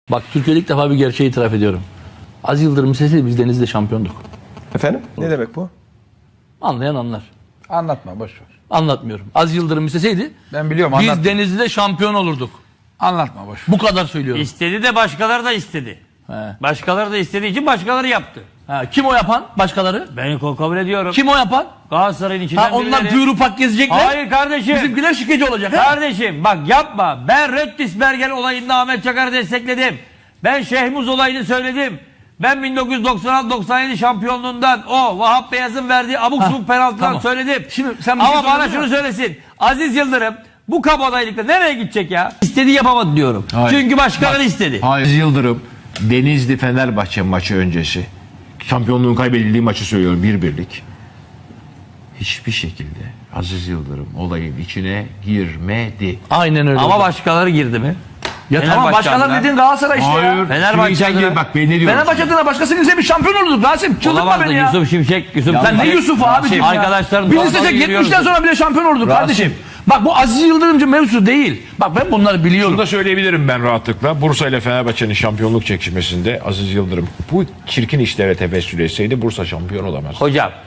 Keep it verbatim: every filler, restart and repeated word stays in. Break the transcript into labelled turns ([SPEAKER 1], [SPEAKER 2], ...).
[SPEAKER 1] Bak Türkiye'de ilk defa bir gerçeği itiraf ediyorum. Aziz Yıldırım sesi biz Denizli'de şampiyonduk.
[SPEAKER 2] Efendim? Ne demek bu?
[SPEAKER 1] Anlayan anlar.
[SPEAKER 3] Anlatma boş ver.
[SPEAKER 1] Anlatmıyorum. Aziz Yıldırım isteseydi
[SPEAKER 3] Ben biliyorum,
[SPEAKER 1] biz
[SPEAKER 3] anlatma.
[SPEAKER 1] Denizli'de şampiyon olurduk.
[SPEAKER 3] Anlatma boş ver.
[SPEAKER 1] Bu kadar söylüyorum.
[SPEAKER 4] İstedi de başkaları da istedi.
[SPEAKER 1] He.
[SPEAKER 4] Başkaları da istediği için başkaları yaptı.
[SPEAKER 1] Ha, kim o yapan? Başkaları?
[SPEAKER 4] Ben kabul ediyorum.
[SPEAKER 1] Kim o yapan?
[SPEAKER 4] Galatasaray'ın içinden
[SPEAKER 1] Ha, onlar
[SPEAKER 4] birileri.
[SPEAKER 1] gürupak gezecekler.
[SPEAKER 4] Hayır kardeşim.
[SPEAKER 1] Bizimkiler şikeci olacak. He?
[SPEAKER 4] Kardeşim bak yapma. Ben Röttisberger olayında Ahmet Çakar'ı destekledim. Ben Şehmuz olayını söyledim. Ben bin dokuz yüz doksan altı doksan yedi şampiyonluğundan o Vahap Beyaz'ın verdiği abuk
[SPEAKER 1] Ha,
[SPEAKER 4] subuk penaltıdan
[SPEAKER 1] tamam.
[SPEAKER 4] söyledim.
[SPEAKER 1] Şimdi sen bir şey
[SPEAKER 4] Ama bana
[SPEAKER 1] söyledin
[SPEAKER 4] şunu
[SPEAKER 1] mi?
[SPEAKER 4] söylesin. Aziz Yıldırım bu kabadayılıkla nereye gidecek ya? İstediği yapamadı diyorum.
[SPEAKER 5] Hayır.
[SPEAKER 4] Çünkü başkaları istedi.
[SPEAKER 5] Hayır. Yıldırım Denizli Fenerbahçe maçı öncesi şampiyonluğun kaybedildiği maçı söylüyorum, bir birlik. Hiçbir şekilde Aziz Yıldırım olayın içine girmedi.
[SPEAKER 1] Aynen öyle.
[SPEAKER 4] Ama
[SPEAKER 1] oldu.
[SPEAKER 4] başkaları girdi mi?
[SPEAKER 1] Ya tamam
[SPEAKER 4] Fenerbahçe
[SPEAKER 1] başkaları
[SPEAKER 4] adına.
[SPEAKER 1] dediğin Galatasaray işte ya.
[SPEAKER 4] Fenerbahçe
[SPEAKER 5] Şimdi sen
[SPEAKER 4] adına-
[SPEAKER 5] gel, bak ben ne diyorum.
[SPEAKER 1] Fenerbahçe adına başkasını ise bir şampiyon olurduk Rasim. Çıldırtma
[SPEAKER 4] Olamazdı
[SPEAKER 1] beni ya.
[SPEAKER 4] Yusuf Şimşek. Yusuf
[SPEAKER 1] Sen ne
[SPEAKER 4] Şimşek-
[SPEAKER 1] Yusuf abiciğim ya?
[SPEAKER 4] Arkadaşlarım
[SPEAKER 1] Biz
[SPEAKER 4] normal
[SPEAKER 1] istesek
[SPEAKER 4] yürüyoruz.
[SPEAKER 1] yetmişten sonra bile şampiyon olurduk kardeşim. Bak bu Aziz Yıldırımcı mevzusu değil. Bak ben bunları biliyorum.
[SPEAKER 6] Bunu da söyleyebilirim ben rahatlıkla. Bursa ile Fenerbahçe'nin şampiyonluk çekişmesinde Aziz Yıldırım bu çirkin işlere tevessül etseydi Bursa şampiyon olamaz.
[SPEAKER 4] Hocam